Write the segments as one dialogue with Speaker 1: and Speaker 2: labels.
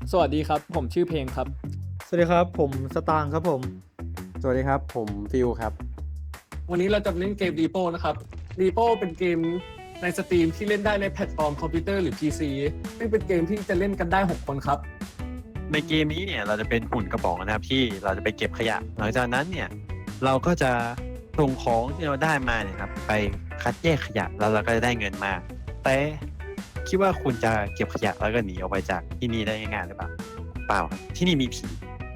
Speaker 1: สวัสดีครับผมชื่อเพลงครับ
Speaker 2: สวัสดีครับผมสตางค์ครับผม
Speaker 3: สวัสดีครับผมฟิลครับ
Speaker 1: วันนี้เราจะเล่นเกม Repo นะครับ Repo เป็นเกมในสตรีมที่เล่นได้ในแพลตฟอร์มคอมพิวเตอร์หรือ PC ซึ่งเป็นเกมที่จะเล่นกันได้6คนครับ
Speaker 4: ในเกมนี้เนี่ยเราจะเป็นหุ่นกระป๋องนะครับที่เราจะไปเก็บขยะหลังจากนั้นเนี่ยเราก็จะส่งของที่เราได้มาเนี่ยครับไปคัดแยกขยะแล้วเราก็จะได้เงินมาแต่คิดว่าคุณจะเก็บขยะแล้วก็หนีออกไปจากที่นี่ได้ง่ายๆหรือเปล่าเปล่าครับที่นี่มีผี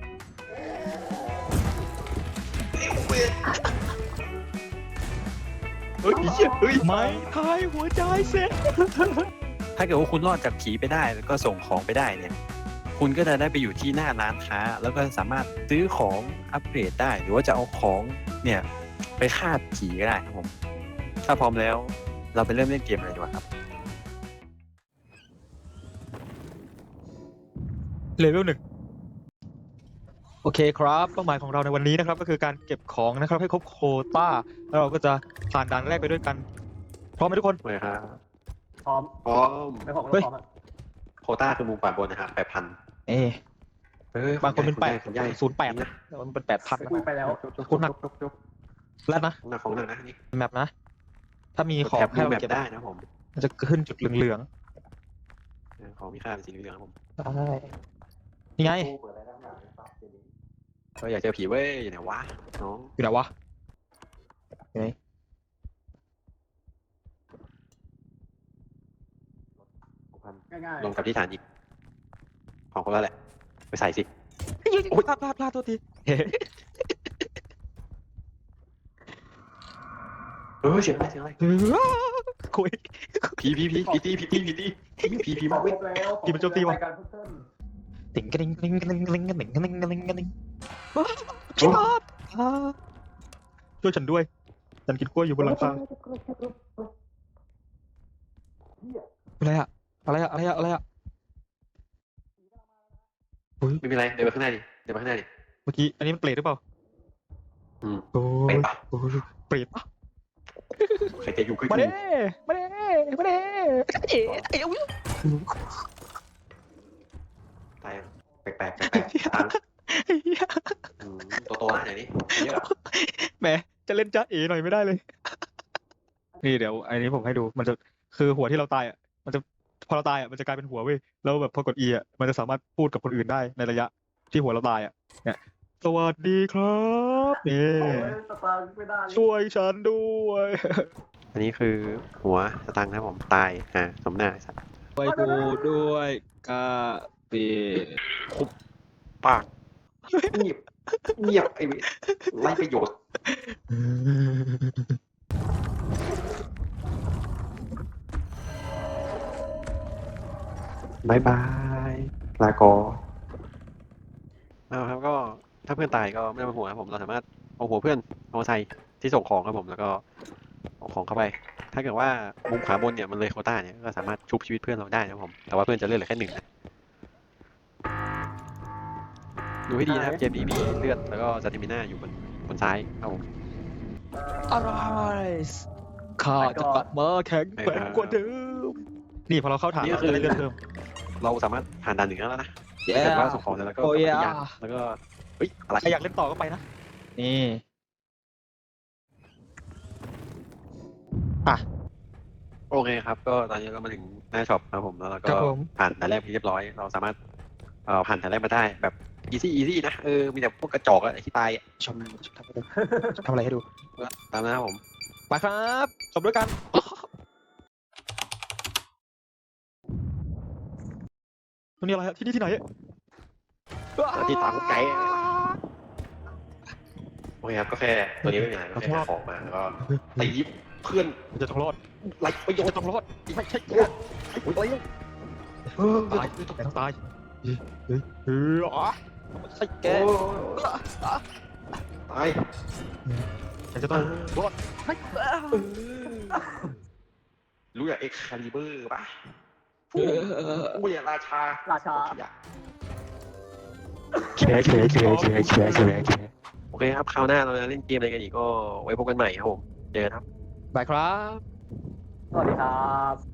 Speaker 4: เฮ้ย
Speaker 2: ไม่ทายหัวใจเสร็จ
Speaker 4: ถ้าเกิดว่าคุณรอดจากผีไปได้แล้วก็ส่งของไปได้เนี่ยคุณก็จะได้ไปอยู่ที่หน้าร้านค้าแล้วก็สามารถซื้อของอัปเกรดได้หรือว่าจะเอาของเนี่ยไปฆ่าผีก็ได้ครับผมถ้าพร้อมแล้วเราไปเริ่มเล่นเกมเลยดีกว่าครับ
Speaker 2: เลเวล1โอเคครับเป้าหมายของเราในวันนี้นะครับก็คือการเก็บของนะครับให้ครบโควต้าแล้วเราก็จะผ่านด่านแรกไปด้วยกันพร้อมไหมทุกคน
Speaker 4: เลยครับ
Speaker 1: พร้อม
Speaker 4: พร้อม
Speaker 1: ไม่พร้อม
Speaker 2: เฮ้ย
Speaker 1: พร้อมอะ
Speaker 4: โควต้าคือมุมขวาบนนะครับ8,000
Speaker 2: บางคนเป็น
Speaker 4: คุณใหญ่
Speaker 2: 08นะแต่ว่ามันเป็น8,000นะ
Speaker 1: คุยไปแล้ว
Speaker 2: คุณหนักแล้วนะ
Speaker 4: หนักของหนักนะนี่
Speaker 2: แมปนะถ้ามีของ
Speaker 4: แถบ
Speaker 2: ให้
Speaker 4: ดู
Speaker 2: เรา
Speaker 4: แมป
Speaker 2: เก็บ
Speaker 4: ได้นะผม
Speaker 2: มันจะขึ้นจุดเหลือง
Speaker 4: ของมีค่าเป็นสีเหลืองครับผม
Speaker 2: ๆใช่นี่ไง
Speaker 4: ก็อยากเจอผีเว้ยอยู่ไหนวะน้อง
Speaker 2: อยู่ไหนวะอยู่ไหน
Speaker 1: ง่าย
Speaker 4: ลงกับที่ฐานอีกของคนละแหละไปใส่สิ
Speaker 2: โอ้ยพลาดโทษที
Speaker 4: เสียงอะไร
Speaker 2: คุย
Speaker 4: ผีมาเว้ย
Speaker 1: แล้ว
Speaker 2: กี่มันโจมตีวะ
Speaker 1: รายการเพิ่ม
Speaker 2: ติ๋งกระดิ่งกระดิ่งกระดิ่งกระดิ่งกระดิ่งกระดิ่งกระดิ่งกระดิ่งช่วยฉันด้วยฉันกินกล้วยอยู่บนหลังคาอะไรอะอะไรอะเฮ้ย
Speaker 4: ไม่เป็นไรเดินไปข้างหน้าดิเ
Speaker 2: เมื่อกี้อันนี้มันเปรตหรือเปล่า
Speaker 4: อืม
Speaker 2: โอ้
Speaker 4: เป็
Speaker 2: ย
Speaker 4: นปะ
Speaker 2: โอ้ยเปรตปะ
Speaker 4: ใครจะอยู่ใกล้
Speaker 2: มา
Speaker 4: กู
Speaker 2: เด้เอ๋เอ๋อุ๊ย
Speaker 4: ตายแปลกตังโตๆนะเดี๋ยวนี้เยอะ
Speaker 2: แหมจะเล่นจ้าเอ๋หน่อยไม่ได้เลยนี่เดี๋ยวอันนี้ผมให้ดูมันจะคือหัวที่เราตายอ่ะมันจะพอเราตายอ่ะมันจะกลายเป็นหัวเว้ยแล้วแบบพอกด E อ่ะมันจะสามารถพูดกับคนอื่นได้ในระยะที่หัวเราตายอ่ะเนี่ยสวัสดีครับนี่
Speaker 1: สตาร์ไม่ได้
Speaker 2: ช่วยฉันด้วย
Speaker 4: อันนี้คือหัวสตังค์นะผมตายสมหน้าสัตว์
Speaker 2: ไปดูด้วยกาเป
Speaker 4: ปากเงียบไอ้ไร้ประโยชน์บายลากอครับก็ถ้าเพื่อนตายก็ไม่ต้องเป็นห่วงครับผมเราสามารถเอาหัวเพื่อนเอาใส่ที่ส่งของครับผมแล้วก็เอาของเข้าไป ถ้าเกิดว่ามุมขวาบนเนี่ยมันเลยโควต้าเนี่ยก็สามารถชุบชีวิตเพื่อนเราได้นะครับผมแต่ว่าเพื่อนจะเลือดเหลือแค่1นะดูให้ดีนะครับเกมนี้มีเลือดแล้วก็สเตมิน่าอยู่บนซ้ายครับผม
Speaker 2: อะไรข้าจะกลับมาแข็งแกร่งกว่าเดิมนี่พอเราเข้าฐาน
Speaker 4: นี่ก็
Speaker 2: เรา
Speaker 4: คือ
Speaker 2: จะได้เลือดเพิ่ม
Speaker 4: เราสามารถผ่านด่านหนึ่งแล้วนะ
Speaker 2: เย้
Speaker 4: ถ้าเกิดว่าส่งของเสร็จแล้วก็
Speaker 2: โอ้ย
Speaker 4: กลับไปยังแล้วก็เฮ้ยอะไร
Speaker 2: ใครอยากเล่นต่อก็ไปนะนี่อ่ะ
Speaker 4: โอเคครับก็ตอนนี้ก็มาถึงหน้าช็อปครับผมแล้วเรา
Speaker 2: ค
Speaker 4: ก็
Speaker 2: รับผม
Speaker 4: ผ่านด่านแรกไปเรียบร้อยเราสามารถผ่านด่านแรกมาได้แบบอีซี่นะมีแต่พวกกระจอกอะที่ตายอะ
Speaker 2: ชมทำอะไรให้ดู
Speaker 4: ตามนะครับผม
Speaker 2: ไปครับจบด้วยกันมันนี่อะไรฮะที่นี่ที่ไหน
Speaker 4: ที่ตามไกด์โอเคครับก็แค่ตัวนี้ไม่มีอะไรก็แค่หาของมาแล้วก็ตีเพื่อน
Speaker 2: มันจะต้องรอด
Speaker 4: ไรประโยช
Speaker 2: จะ
Speaker 4: น์
Speaker 2: ต้องรอดไม่ใช่
Speaker 4: โอ้ย
Speaker 2: ตายต้องตายอ๋อใช่แก
Speaker 4: ตาย
Speaker 2: ฉันจะต้องรอด
Speaker 4: รู้อย่างเอ็กคาลิเบอร์ป่ะกูอย่างราชา
Speaker 1: ราชา
Speaker 4: โอเคครับคราวหน้าเราจะเล่นเกมอะไรกันอีกก็ไว้พบกันใหม่ครับผมเจอกันครับ
Speaker 2: บายครับ
Speaker 1: สวัสดีครับ